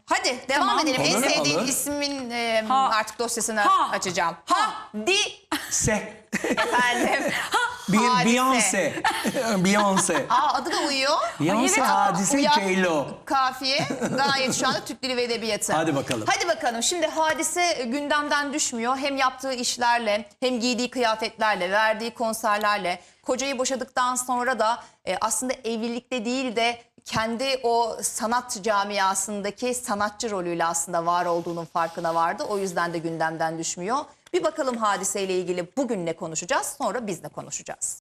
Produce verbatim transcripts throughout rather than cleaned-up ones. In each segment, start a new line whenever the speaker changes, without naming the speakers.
Hadi devam
Tamam.
edelim. En
Olur,
sevdiğin
olur.
ismin e,
Ha.
artık dosyasını
Ha.
açacağım.
Ha.
Ha. Di.
Se.
Efendim.
Bir
Hadise.
Beyoncé. Beyoncé.
Aa, adı da uyuyor.
Beyoncé,
Evet.
Hadise,
Uyan-
J-Lo.
Kafiye. Gayet şu anda Türk Dili ve Edebiyatı.
Hadi bakalım.
Hadi bakalım. Şimdi Hadise gündemden düşmüyor. Hem yaptığı işlerle, hem giydiği kıyafetlerle, verdiği konserlerle, kocayı boşadıktan sonra da e, aslında evlilikte değil de kendi o sanat camiasındaki sanatçı rolüyle aslında var olduğunun farkına vardı. O yüzden de gündemden düşmüyor. Bir bakalım Hadise ile ilgili bugün ne konuşacağız, sonra biz de konuşacağız.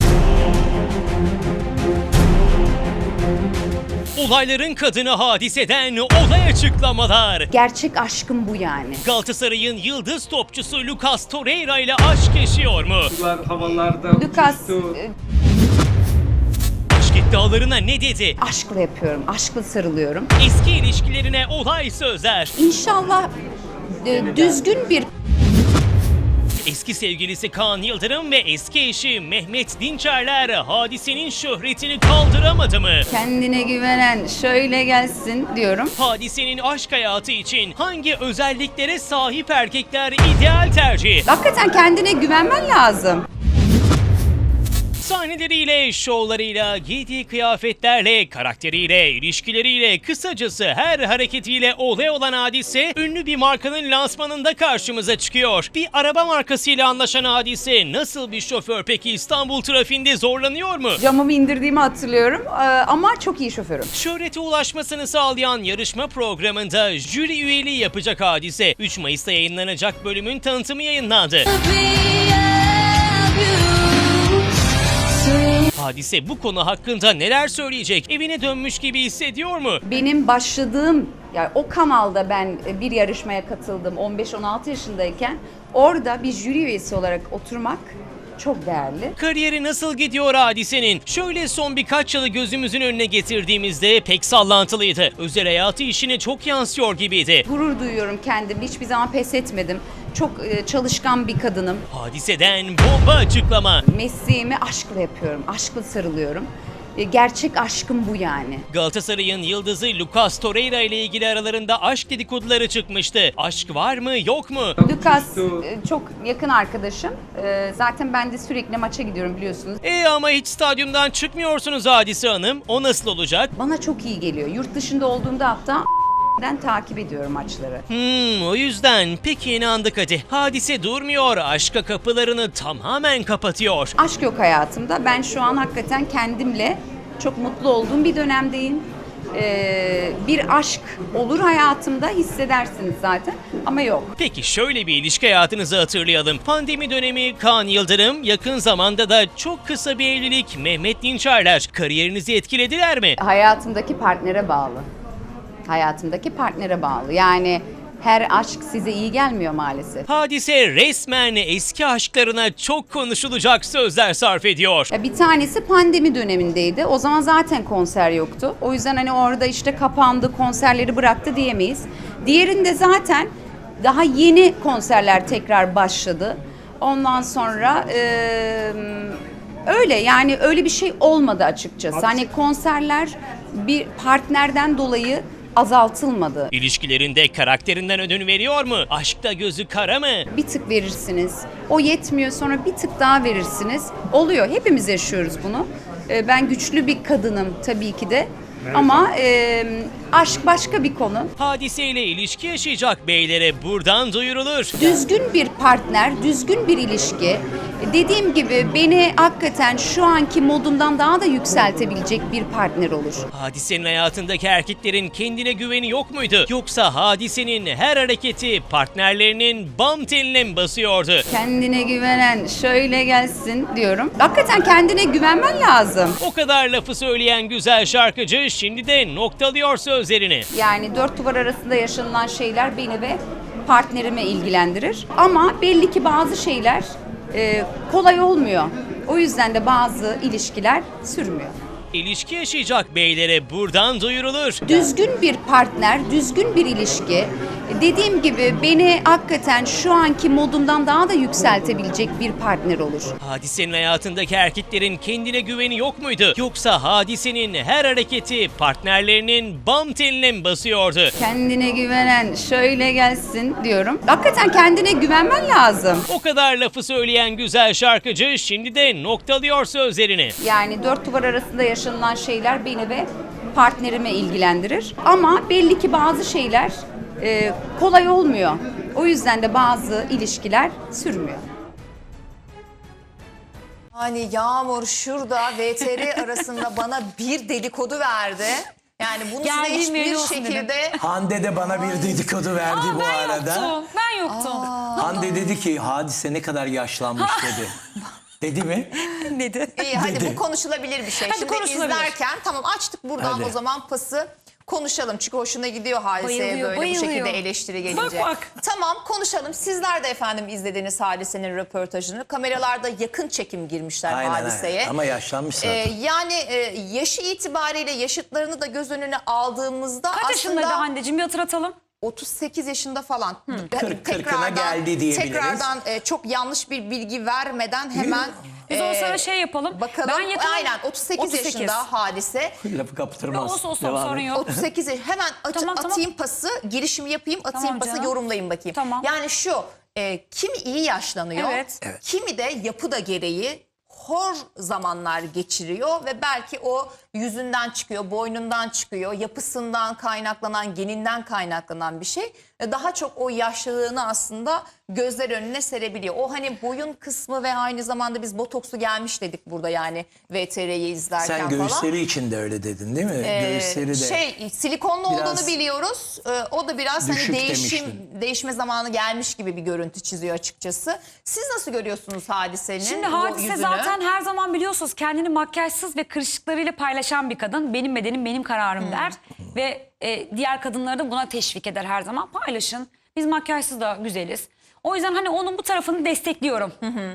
Olayların kadını Hadise'den olay açıklamalar.
Gerçek aşkım bu yani.
Galatasaray'ın yıldız topçusu Lucas Torreira ile aşk yaşıyor mu?
Sular havalarda
Lucas
uçuştu.
e,
Aşk iddialarına ne dedi?
aşkla yapıyorum, aşkla sarılıyorum.
Eski ilişkilerine olay sözler.
İnşallah e, düzgün bir
Eski sevgilisi Kaan Yıldırım ve eski eşi Mehmet Dinçerler Hadise'nin şöhretini kaldıramadı mı?
kendine güvenen şöyle gelsin diyorum.
Hadise'nin aşk hayatı için hangi özelliklere sahip erkekler ideal tercih?
Hakikaten kendine güvenmen lazım.
Sahneleriyle, şovlarıyla, giydiği kıyafetlerle, karakteriyle, ilişkileriyle, kısacası her hareketiyle olay olan Hadise, ünlü bir markanın lansmanında karşımıza çıkıyor. Bir araba markasıyla anlaşan Hadise, nasıl bir şoför peki, İstanbul trafiğinde zorlanıyor mu?
Camımı indirdiğimi hatırlıyorum e, ama çok iyi şoförüm.
Şöhrete ulaşmasını sağlayan yarışma programında jüri üyeliği yapacak Hadise. üç Mayıs'ta yayınlanacak bölümün tanıtımı yayınlandı. Hadise bu konu hakkında neler söyleyecek? Evine dönmüş gibi hissediyor mu?
Benim başladığım, yani o kanalda ben bir yarışmaya katıldım on beş on altı yaşındayken. Orada bir jüri üyesi olarak oturmak çok değerli.
Kariyeri nasıl gidiyor Hadise'nin? Şöyle son birkaç yılı gözümüzün önüne getirdiğimizde pek sallantılıydı. Özel hayatı işine çok yansıyor gibiydi.
Gurur duyuyorum kendim. Hiçbir zaman pes etmedim. Çok e, çalışkan bir kadınım.
Hadise'den bomba açıklama.
Mesleğimi aşkla yapıyorum. Aşkla sarılıyorum. E, gerçek aşkım bu yani.
Galatasaray'ın yıldızı Lucas Torreira ile ilgili aralarında aşk dedikoduları çıkmıştı. Aşk var mı yok mu?
Lucas e, çok yakın arkadaşım. E, zaten ben de sürekli maça gidiyorum biliyorsunuz.
E ama hiç stadyumdan çıkmıyorsunuz Hadise Hanım. O nasıl olacak?
Bana çok iyi geliyor. Yurt dışında olduğumda hatta den takip ediyorum maçları.
Hmm, o yüzden peki inandık hadi. Hadise durmuyor, aşka kapılarını tamamen kapatıyor.
Aşk yok hayatımda. Ben şu an hakikaten kendimle çok mutlu olduğum bir dönemdeyim. Ee, bir aşk olur hayatımda, hissedersiniz zaten ama yok.
Peki şöyle bir ilişki hayatınızı hatırlayalım. Pandemi dönemi Kaan Yıldırım, yakın zamanda da çok kısa bir evlilik Mehmet Dinçerler. Kariyerinizi etkilediler mi?
Hayatımdaki partnere bağlı. Hayatımdaki partnere bağlı. Yani her aşk size iyi gelmiyor maalesef.
Hadise resmen eski aşklarına çok konuşulacak sözler sarf ediyor.
Ya bir tanesi pandemi dönemindeydi. O zaman zaten konser yoktu. O yüzden hani orada işte kapandı, konserleri bıraktı diyemeyiz. Diğerinde zaten daha yeni konserler tekrar başladı. Ondan sonra eee, öyle yani öyle bir şey olmadı açıkçası. Hani konserler bir partnerden dolayı azaltılmadı.
İlişkilerinde karakterinden ödün veriyor mu? Aşkta gözü kara mı?
Bir tık verirsiniz. O yetmiyor, sonra bir tık daha verirsiniz. Oluyor. Hepimiz yaşıyoruz bunu. Ee, Ben güçlü bir kadınım tabii ki de. Ama e, aşk başka bir konu.
Hadiseyle ilişki yaşayacak beylere buradan duyurulur.
Düzgün bir partner, düzgün bir ilişki. Dediğim gibi beni hakikaten şu anki modumdan daha da yükseltebilecek bir partner olur.
Hadisenin hayatındaki erkeklerin kendine güveni yok muydu? Yoksa Hadise'nin her hareketi partnerlerinin bam teline mi basıyordu?
Kendine güvenen şöyle gelsin diyorum. Hakikaten kendine güvenmen lazım.
O kadar lafı söyleyen güzel şarkıcı şimdi de noktalıyor sözlerini.
Yani dört duvar arasında yaşanılan şeyler beni ve partnerime ilgilendirir. Ama belli ki bazı şeyler e, kolay olmuyor. O yüzden de bazı ilişkiler sürmüyor.
İlişki yaşayacak beylere buradan duyurulur.
Düzgün bir partner, düzgün bir ilişki. Dediğim gibi beni hakikaten şu anki modumdan daha da yükseltebilecek bir partner olur.
Hadise'nin hayatındaki erkeklerin kendine güveni yok muydu? Yoksa Hadise'nin her hareketi partnerlerinin bam teline mi basıyordu?
Kendine güvenen şöyle gelsin diyorum. Hakikaten kendine güvenmen lazım.
O kadar lafı söyleyen güzel şarkıcı şimdi de noktalıyor sözlerini.
Yani dört duvar arasında yaşanılan şeyler beni ve partnerime ilgilendirir. Ama belli ki bazı şeyler e, kolay olmuyor. O yüzden de bazı ilişkiler sürmüyor.
Hani Yağmur şurada V T R arasında bana bir dedikodu verdi. Yani bunu size
Geldiğim
hiçbir
yeri olsun
şekilde...
Hande de bana bir dedikodu verdi
Aa,
bu
ben
arada.
yoktum. Ben yoktum.
Hande dedi ki Hadise ne kadar yaşlanmış dedi. Dedi mi?
Dedi.
İyi hadi
Dedi.
bu konuşulabilir bir şey.
Hadi
Şimdi
konuşulabilir.
izlerken tamam açtık buradan
Hadi.
o zaman pası konuşalım. Çünkü hoşuna gidiyor Hadise'ye
Bayılıyor,
böyle
bayılıyor.
bu şekilde eleştiri gelince.
Bak, bak.
Tamam konuşalım. Sizler de efendim izlediniz Hadise'nin röportajını. Kameralarda yakın çekim girmişler
Aynen,
Hadise'ye.
aynen. Ama yaşlanmış zaten.
Ee, yani e, yaşı itibariyle yaşıtlarını da göz önüne aldığımızda
Kaç yaşındaydı
aslında
Hande'cim bir hatırlatalım.
otuz sekiz yaşında falan.
Kırk- kırkına geldi diyebiliriz.
Tekrardan e, çok yanlış bir bilgi vermeden hemen
Biz o
e,
sırada şey yapalım.
bakalım.
Ben yakın-
Aynen otuz sekiz,
otuz sekiz.
yaşında Hadise.
Lafı kaptırmaz.
Olsun olsun
Devam
sorun
et.
yok.
otuz sekiz yaş- hemen aç-
Tamam, tamam.
atayım pası, girişimi yapayım, atayım
Tamam
pası,
canım.
yorumlayın bakayım.
Tamam.
Yani şu, e, kimi iyi yaşlanıyor,
Evet.
Evet.
kimi de yapı da gereği hor zamanlar geçiriyor ve belki o yüzünden çıkıyor, boynundan çıkıyor, yapısından kaynaklanan, geninden kaynaklanan bir şey. E, Daha çok o yaşlılığını aslında gözler önüne serebiliyor. O hani boyun kısmı ve aynı zamanda biz botoksu gelmiş dedik burada yani V T R'yi izlerken
Sen
falan.
göğüsleri için de öyle dedin değil mi?
Ee,
göğüsleri de.
Şey silikonlu
Biraz
olduğunu biliyoruz. Ee, o da biraz hani
düşük
değişim
demiştin.
değişme zamanı gelmiş gibi bir görüntü çiziyor açıkçası. Siz nasıl görüyorsunuz Hadise'nin
Şimdi
bu
Hadise
yüzünü?
zaten her zaman biliyorsunuz kendini makyajsız ve kırışıklarıyla paylaşan bir kadın. Benim bedenim benim kararım der. Ve e, diğer kadınları da buna teşvik eder her zaman. Paylaşın. Biz makyajsız da güzeliz. O yüzden hani onun bu tarafını destekliyorum.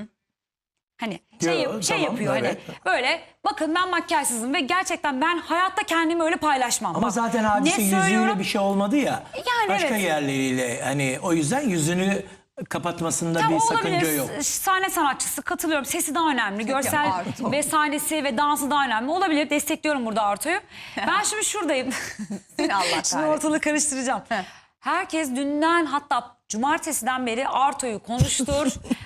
Hani şey,
Yo,
yap- şey
tamam,
yapıyor
evet.
hani böyle bakın ben makyajsızım ve gerçekten ben hayatta kendimi öyle paylaşmam.
Ama
Bak,
zaten Hadise
ne
yüzüyle
söylüyorum?
bir şey olmadı ya.
Yani
başka
evet.
yerleriyle hani o yüzden yüzünü kapatmasında
Tabii
bir sakınca
olabilir.
yok.
Sahne sanatçısı katılıyorum. Sesi daha önemli. Görsel
Arto.
ve sahnesi ve dansı daha önemli. Olabilir. Destekliyorum burada Arto'yu. Ben şimdi şuradayım.
Seni Allah
Şimdi
kahretsin.
ortalığı karıştıracağım. Herkes dünden hatta cumartesiden beri Arto'yu konuştur.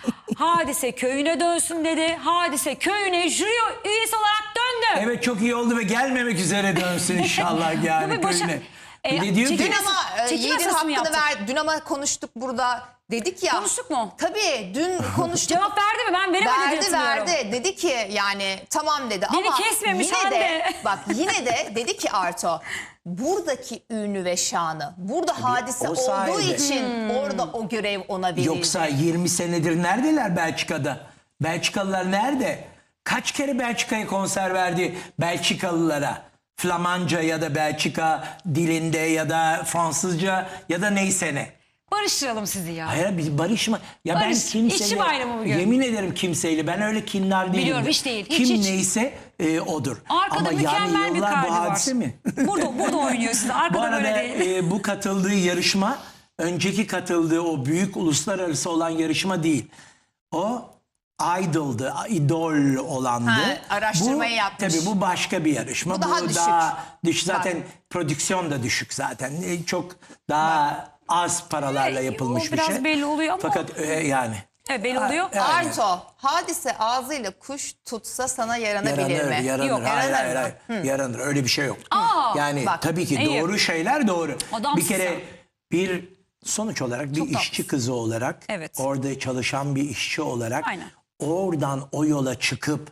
Hadise köyüne dönsün dedi. Hadise köyüne jüri üyesi olarak döndü.
Evet çok iyi oldu ve gelmemek üzere dönsün inşallah yani
Bu bir başa-
köyüne.
E,
Bir de diyor
çekim
ki
Dün ama e,
Çekim
Yiğit'in
esası mı
hakkını
yaptık?
ver. Dün ama konuştuk burada. Dedik ya.
Konuştuk mu?
Tabii dün konuştuk.
Cevap verdi mi? Ben veremedi diye
Verdi
hatırlıyorum.
verdi. Dedi ki yani tamam dedi
Beni
ama
kesmemiş
yine de
Hande.
bak yine de dedi ki Arto buradaki ünlü ve şanı burada Hadise
o
olduğu
sayede.
için orada o görev ona verildi.
yoksa yirmi senedir neredeler Belçika'da? Belçikalılar nerede? Kaç kere Belçika'ya konser verdi Belçikalılara? Flamanca ya da Belçika dilinde ya da Fransızca ya da neyse ne.
Barıştıralım sizi ya.
Hayır bir barışma. Ya
Barış,
ben kimseyle
işçi bayramı bugün.
yemin ederim kimseyle ben öyle kinler değilim.
Biliyorum, hiç değil, hiç,
Kim
hiç.
neyse e, odur.
Arkada
Ama
mükemmel
yani
bir
yıllar
kalbi
bu
var.
hadise mi?
Burada, burada oynuyor size. Arkada
Bu arada
böyle değil.
e, bu katıldığı yarışma önceki katıldığı o büyük uluslararası olan yarışma değil. O idol'dı, idol olandı.
Ha, araştırmayı
bu,
yapmış.
Tabii bu başka bir yarışma.
Bu daha düşük.
daha düşük. Zaten prodüksiyon da düşük zaten. E, çok daha az paralarla
E,
yapılmış
o
bir
biraz
şey.
belli oluyor ama-
Fakat e, yani.
Evet belli oluyor.
Yani.
Arto Hadise ağzıyla kuş tutsa sana yaranabilir
Yaranır,
mi?
yaranır.
Yok,
hayır,
yaranır
hayır,
mı?
hayır. Yaranır. Öyle bir şey yok.
Aa,
yani
bak,
tabii ki
iyi.
doğru şeyler doğru.
Adamsın
bir kere
sen.
bir sonuç olarak bir
Çok
işçi
tatlısın.
kızı olarak
Evet.
orada çalışan bir işçi olarak
Aynen.
oradan o yola çıkıp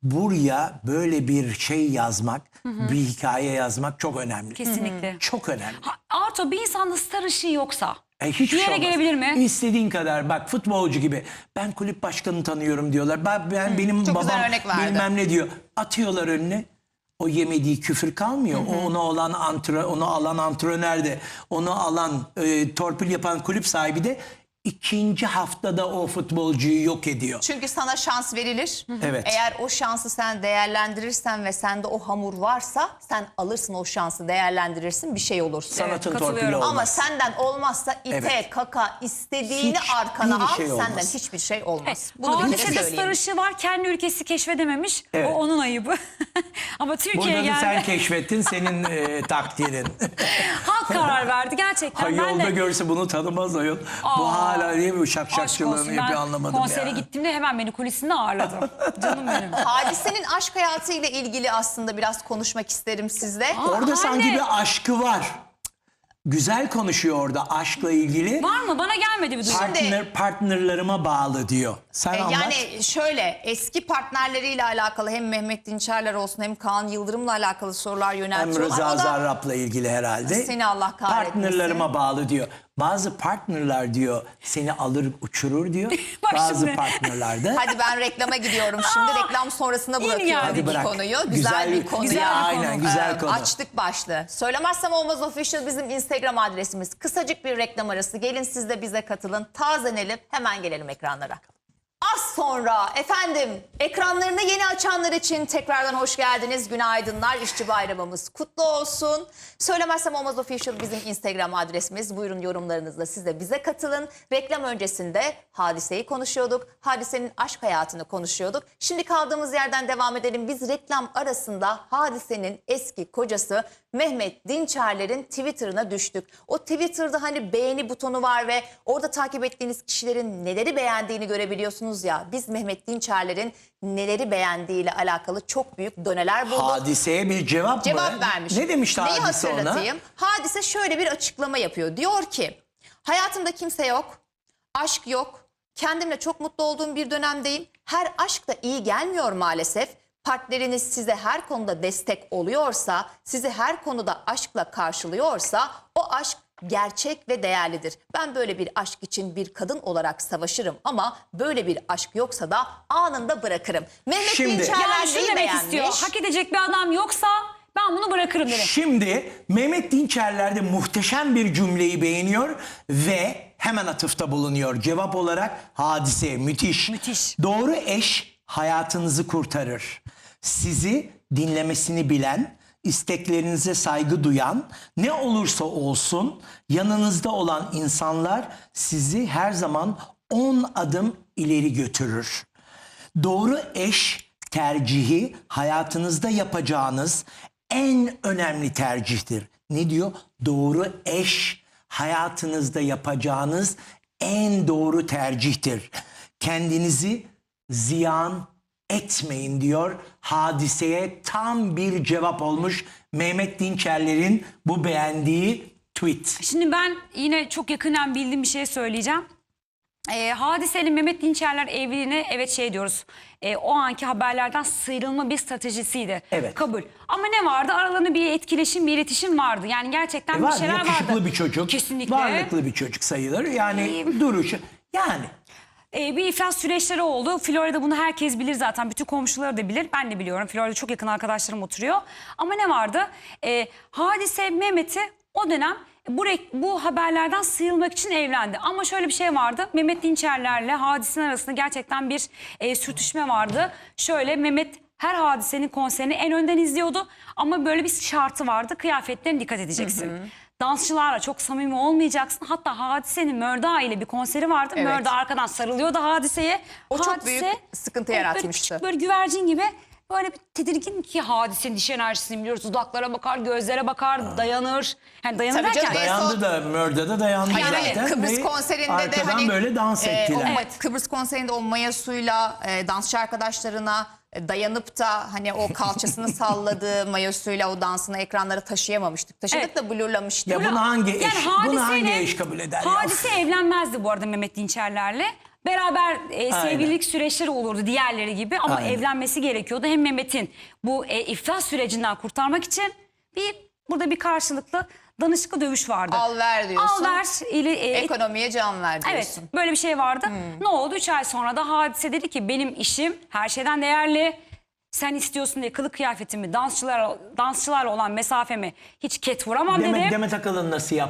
buraya böyle bir şey yazmak, bir hikaye yazmak çok önemli.
Kesinlikle.
Çok önemli.
Ha, Arto bir insanda star ışığı yoksa
E, hiçbir
bir yere
şey olmaz.
gelebilir mi?
İstediğin kadar bak futbolcu gibi ben kulüp başkanını tanıyorum diyorlar. Ben, ben benim
Çok
babam
güzel örnek verdi.
bilmem ne diyor. Atıyorlar önüne. O yemediği küfür kalmıyor. O onu olan antrenör, onu alan antrenör de, onu alan e, torpil yapan kulüp sahibi de ikinci haftada o futbolcuyu yok ediyor.
Çünkü sana şans verilir.
Evet.
Eğer o şansı sen değerlendirirsen ve sende o hamur varsa sen alırsın o şansı, değerlendirirsin, bir şey olursun.
Sanatın
katılıyorum.
torpili olmaz.
Ama senden olmazsa ite,
Evet.
kaka, istediğini
Hiçbir
arkana al,
şey olmaz.
senden hiçbir şey olmaz. Bunu bir kere
Hadise de
söyleyeyim.
sarışı var, kendi ülkesi keşfedememiş.
Evet.
O onun ayıbı. Ama Türkiye'ye
Burada da
geldi.
sen keşfettin, senin e, takdirin.
Halk karar verdi gerçekten.
Ha,
ben
yolda
de
görse bunu tanımaz ayol. Bu
Aa,
hala niye bu
aşk
şakşakçılığını
olsun,
yapıyor
ben
anlamadım
konsere
ya.
gittiğimde hemen beni kulisinde ağırladı. Canım benim.
Hadise'nin aşk hayatıyla ilgili aslında biraz konuşmak isterim sizle.
Orada
Aa,
sanki
anne.
bir aşkı var. Güzel konuşuyor orada aşkla ilgili.
Var mı? Bana gelmedi bir duygu.
Partner, partnerlarıma bağlı diyor. Sen
E,
anlat.
Yani şöyle, eski partnerleriyle alakalı hem Mehmet Dinçerler olsun hem Kaan Yıldırım'la alakalı sorular
Hem
yöneltiyorlar.
Rıza
O da
Zarrab'la ilgili herhalde.
Seni Allah kahretmesin.
Partnerlarıma bağlı diyor. Bazı partnerler diyor seni alır uçurur diyor.
Bak
Bazı
şimdi.
partnerler de
hadi ben reklama gidiyorum şimdi. Reklam sonrasına
Yeni
bırakıyorum
geldik.
bu
bırak.
konuyu. Güzel,
Güzel-
bir konu.
güzel
ya.
bir Aynen, konu. güzel konu.
Açtık başlığı. Söylemezsem olmaz official bizim Instagram adresimiz. Kısacık bir reklam arası. Gelin siz de bize katılın. Tazenelim. Hemen gelelim ekranlara. Az sonra efendim ekranlarını yeni açanlar için tekrardan hoş geldiniz. Günaydınlar. İşçi bayramımız kutlu olsun. Söylemezsem olmaz official bizim Instagram adresimiz. Buyurun yorumlarınızla siz de bize katılın. Reklam öncesinde Hadise'yi konuşuyorduk. Hadise'nin aşk hayatını konuşuyorduk. Şimdi kaldığımız yerden devam edelim. Biz reklam arasında Hadise'nin eski kocası Mehmet Dinçerler'in Twitter'ına düştük. O Twitter'da hani beğeni butonu var ve orada takip ettiğiniz kişilerin neleri beğendiğini görebiliyorsunuz ya. Biz Mehmet Dinçerler'in neleri beğendiğiyle alakalı çok büyük doneler bulduk.
Hadiseye bir cevap,
Cevap
mı?
vermiş.
Ne demişti
Neyi
Hadise ona?
hatırlatayım? Hadise şöyle bir açıklama yapıyor. Diyor ki hayatımda kimse yok, aşk yok, kendimle çok mutlu olduğum bir dönemdeyim. Her aşk da iyi gelmiyor maalesef. Partneriniz size her konuda destek oluyorsa, sizi her konuda aşkla karşılıyorsa o aşk gerçek ve değerlidir. Ben böyle bir aşk için bir kadın olarak savaşırım ama böyle bir aşk yoksa da anında bırakırım. Mehmet
Şimdi-
Dinçerler
Yani şunu
neyi
demek
beğenmiş?
istiyor. Hak edecek bir adam yoksa ben bunu bırakırım dedi.
Şimdi Mehmet Dinçerler de muhteşem bir cümleyi beğeniyor ve hemen atıfta bulunuyor. Cevap olarak Hadise müthiş.
Müthiş.
Doğru eş hayatınızı kurtarır. Sizi dinlemesini bilen, isteklerinize saygı duyan, ne olursa olsun yanınızda olan insanlar sizi her zaman on adım ileri götürür. Doğru eş tercihi hayatınızda yapacağınız en önemli tercihtir. Ne diyor? Doğru eş hayatınızda yapacağınız en doğru tercihtir. Kendinizi ziyan etmeyin diyor. Hadiseye tam bir cevap olmuş Mehmet Dinçerler'in bu beğendiği tweet.
Şimdi ben yine çok yakından bildiğim bir şey söyleyeceğim. Ee, Hadise'nin Mehmet Dinçerler evliliğine evet şey diyoruz. e, o anki haberlerden sıyrılma bir stratejisiydi.
Evet.
Kabul. Ama ne vardı? Aralarında bir etkileşim, bir iletişim vardı. Yani gerçekten
E
bir
var,
şeyler
yakışıklı
vardı.
bir çocuk.
Kesinlikle.
Varlıklı bir çocuk sayılır. Yani duruşu. Yani
Ee, bir iflas süreçleri oldu. Florida bunu herkes bilir zaten. Bütün komşuları da bilir. Ben de biliyorum. Florida çok yakın arkadaşlarım oturuyor. Ama ne vardı? Ee, Hadise Mehmet'i o dönem bu, rek- bu haberlerden sıyrılmak için evlendi. Ama şöyle bir şey vardı. Mehmet Dinçerler'le Hadise'nin arasında gerçekten bir e, sürtüşme vardı. Şöyle Mehmet her Hadise'nin konserini en önden izliyordu. Ama böyle bir şartı vardı. Kıyafetlerine dikkat edeceksin. Dansçılarla çok samimi olmayacaksın. Hatta Hadise'nin Mörda ile bir konseri vardı.
Evet.
Mörda arkadan sarılıyordu Hadise'ye.
O çok
Hadise,
büyük sıkıntı
evet,
yaratmıştı.
Böyle küçük böyle güvercin gibi böyle bir tedirgin ki Hadise'nin diş enerjisini biliyoruz. Dudaklara bakar, gözlere bakar, dayanır. Yani dayanır
Tabii canım,
derken...
en son-
dayandı da Mörda dayandı
Yani
zaten.
Kıbrıs
ve
konserinde de
arkadan
hani
böyle dans
e,
ettiler.
o ma- Kıbrıs konserinde o mayosuyla e, dansçı arkadaşlarına e, dayanıp da hani o kalçasını salladığı mayosuyla o dansını ekranlara taşıyamamıştık. Taşıdık
Evet.
da blurlamıştık.
Ya bunu hangi eş, bunu hangi
Hadise'yle-
eş kabul eder ya?
Hadise evlenmezdi bu arada Mehmet Dinçerler'le. Beraber e, sevgililik süreçleri olurdu diğerleri gibi ama
Aynen.
evlenmesi gerekiyordu. Hem Mehmet'in bu e, iflas sürecinden kurtarmak için bir burada bir karşılıklı danışıklı dövüş vardı.
Al ver diyorsun.
Al ver ile e,
Ekonomiye can ver diyorsun.
evet böyle bir şey vardı. Ne oldu? Üç ay sonra da Hadise dedi ki benim işim her şeyden değerli. Sen istiyorsun diye kılık kıyafetimi, dansçılar dansçılarla olan mesafemi hiç ket vuramam
Demet,
dedi.
Demet Akalın nasıl yaptı?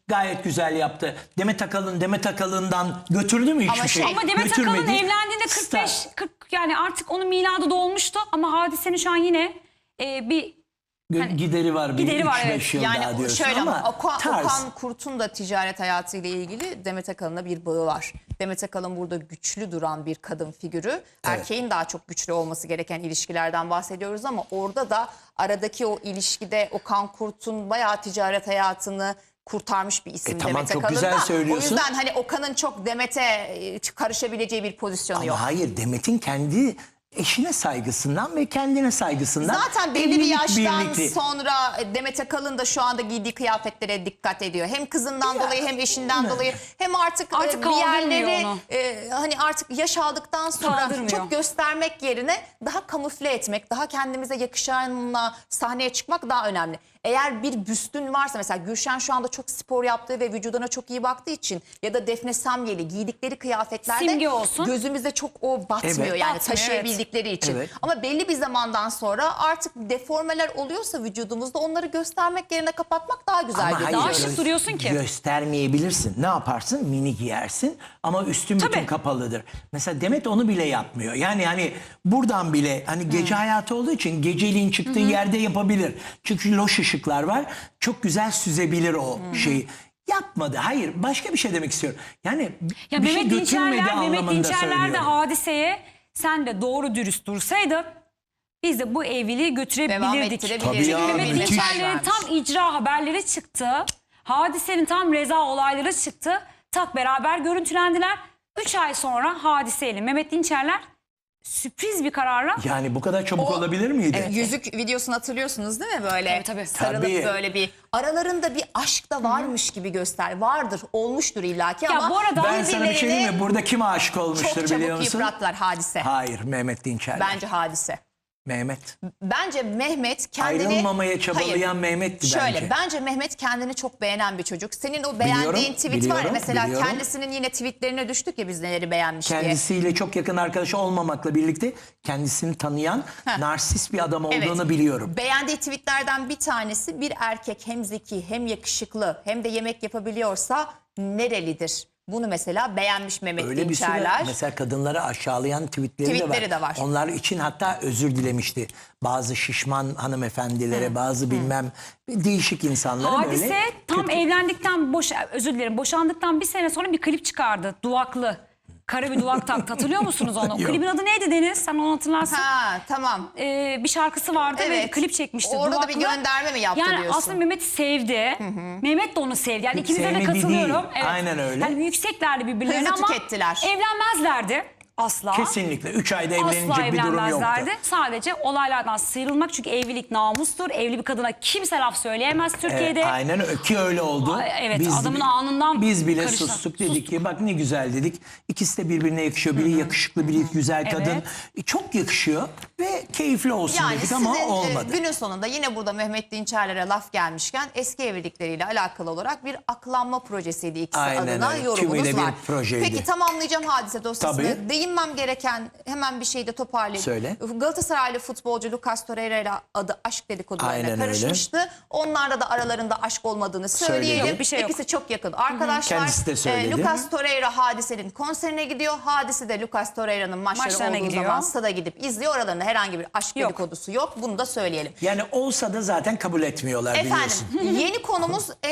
Gayet güzel yaptı. Demet Akalın Demet Akalın'dan götürdü mü hiçbir
Ama
şey?
şey-
Ama Demet Akalın
Götürmedi.
evlendiğinde kırk beş
Star.
kırk yani artık onun miladı dolmuştu ama Hadise'nin şu an yine e, bir
Gö-
hani-
gideri var. Bir
gideri var,
üç beş
evet.
yıl daha
Yani
diyorsun
şöyle ama,
ama
Okan,
tarz.
Okan Kurt'un da ticaret hayatıyla ilgili Demet Akalın'la bir bağı var. Demet Akalın burada güçlü duran bir kadın figürü. Erkeğin daha çok güçlü olması gereken ilişkilerden bahsediyoruz ama orada da aradaki o ilişkide Okan Kurt'un bayağı ticaret hayatını kurtarmış bir isim
E tamam,
Demet
çok
Akalın
güzel
da.
söylüyorsun.
O yüzden hani Okan'ın çok Demet'e e, karışabileceği bir pozisyonu
Ama
yok.
hayır, Demet'in kendi eşine saygısından ve kendine saygısından.
Zaten belli bir
evlilik
yaştan
birlikte-
sonra Demet Akalın da şu anda giydiği kıyafetlere dikkat ediyor. Hem kızından
Ya,
dolayı hem eşinden
ne?
dolayı hem artık,
Artık
e, bir
kaldırmıyor
yerleri
onu.
e, hani artık yaş aldıktan sonra
Kaldırmıyor.
çok göstermek yerine daha kamufle etmek, daha kendimize yakışanla sahneye çıkmak daha önemli. Eğer bir büstün varsa mesela Gülşen şu anda çok spor yaptığı ve vücuduna çok iyi baktığı için ya da Defne Samyeli giydikleri kıyafetlerde
Simge olsun.
gözümüzde çok o batmıyor
Evet.
yani
Batmıyor,
taşıyabildikleri için.
Evet.
Ama belli bir zamandan sonra artık deformeler oluyorsa vücudumuzda onları göstermek yerine kapatmak daha güzel
Ama
geliyor.
Daha şık duruyorsun ki.
Göstermeyebilirsin. Ne yaparsın? Mini giyersin ama üstün bütün
Tabii.
kapalıdır. Mesela Demet onu bile yapmıyor. Yani hani buradan bile hani gece hayatı olduğu için geceliğin çıktığı yerde yapabilir. Çünkü loş ışıklar var. Çok güzel süzebilir o şeyi. Yapmadı. Hayır. Başka bir şey demek istiyorum. Yani
Ya
bir şey
Mehmet
götürmedi
Dinçerler, Mehmet
anlamında
Dinçerler de
söylüyorum.
Hadise'ye sen de doğru dürüst dursaydın biz de bu evliliği götürebilirdik.
ettirebilirdik.
Tabii ya,
Çünkü Mehmet
müthiş.
Dinçerler'in tam icra haberleri çıktı. Hadise'nin tam reza olayları çıktı. Tak beraber görüntülendiler. Üç ay sonra Hadise ile Mehmet Dinçerler sürpriz bir kararla
Yani bu kadar çabuk
O-
olabilir miydi?
Evet, yüzük videosunu hatırlıyorsunuz değil mi böyle?
Tabii, tabii.
Sarılıp
Tabii.
böyle bir aralarında bir aşk da varmış gibi göster. Vardır, olmuştur illaki
Ya
ama
bu arada-
Ben sana bir şey diyeyim mi? Burada kim aşık olmuştur
çok
biliyor
çabuk
musun?
yıprattılar Hadise.
Hayır, Mehmet Dinçerler.
Bence Hadise.
Mehmet.
Bence Mehmet kendini...
Ayrılmamaya çabalayan Mehmet'ti
Şöyle,
bence.
bence Mehmet kendini çok beğenen bir çocuk. Senin o beğendiğin
Biliyorum,
tweet var ya
biliyorum,
mesela
biliyorum.
kendisinin yine tweetlerine düştük ya biz neleri beğenmiş diye.
Kendisiyle çok yakın arkadaş olmamakla birlikte kendisini tanıyan narsist bir adam olduğunu biliyorum.
Beğendiği tweetlerden bir tanesi bir erkek hem zeki hem yakışıklı hem de yemek yapabiliyorsa nerelidir? Bunu mesela beğenmiş Mehmet
Öyle bir sürü
Dinçerler.
mesela kadınları aşağılayan tweetleri,
Tweetleri
de, var.
de var.
Onlar için hatta özür dilemişti. Bazı şişman hanımefendilere, bazı bilmem değişik insanlara
Hadise
böyle.
tam
kötü-
evlendikten boş özür dilerim boşandıktan bir sene sonra bir klip çıkardı. Duvaklı. Kara bir duvak taktı. Hatırlıyor musunuz onu?
Yok.
Klibin adı neydi Deniz? Sen onu hatırlarsın.
Ha tamam.
Ee, bir şarkısı vardı ve
Evet.
klip çekmişti.
Orada da bir
Duvaklı.
gönderme mi yaptı
yani
diyorsun?
aslında Mehmet'i sevdi. Mehmet de onu sevdi. Yani ikinize de
Sevmedi
katılıyorum.
değil. Aynen öyle.
Yani yükseklerdi birbirlerine
Hızlı
ama
tükettiler.
evlenmezlerdi. Asla.
Kesinlikle. Üç ayda evlenecek
Asla
bir durum yoktu.
evlenmezlerdi. Sadece olaylardan sıyrılmak çünkü evlilik namustur. Evli bir kadına kimse laf söyleyemez Türkiye'de.
Evet, aynen öyle ki öyle oldu.
Ay, evet, adamın alnından
Biz bile
karıştı.
sustuk dedik ki bak ne güzel dedik. İkisi de birbirine yakışıyor. Biri yakışıklı, biri güzel kadın.
Evet.
E, Çok yakışıyor ve keyifli olsun
Yani
dedik
sizin
ama
e,
olmadı.
günün sonunda yine burada Mehmet Dinçerler'e laf gelmişken eski evlilikleriyle alakalı olarak bir aklanma projesiydi ikisi
Aynen
adına
öyle.
yorumunuz
Tümüyle bir
var.
projeydi.
Peki tamamlayacağım Hadise dosyasını.
Tabii.
Değinmem gereken hemen bir şeyi de toparlayayım.
Söyle.
Galatasaraylı futbolcu Lucas Torreira ile adı aşk dedikodularına
Aynen öyle.
karışmıştı. Onlarla da aralarında aşk olmadığını söyleyelim.
Söyledi.
Yok, bir şey yok.
İkisi çok yakın arkadaşlar.
Kendisi de söyledi.
E, Lucas Torreira Hadise'nin konserine gidiyor. Hadise de Lucas Torreira'nın maçları
Maçlarına
olduğu
gidiyor.
zaman stada gidip izliyor. Aralarında herhangi bir aşk
Yok.
dedikodusu yok. Bunu da söyleyelim.
Yani olsa da zaten kabul etmiyorlar biliyorsun.
Efendim yeni konumuz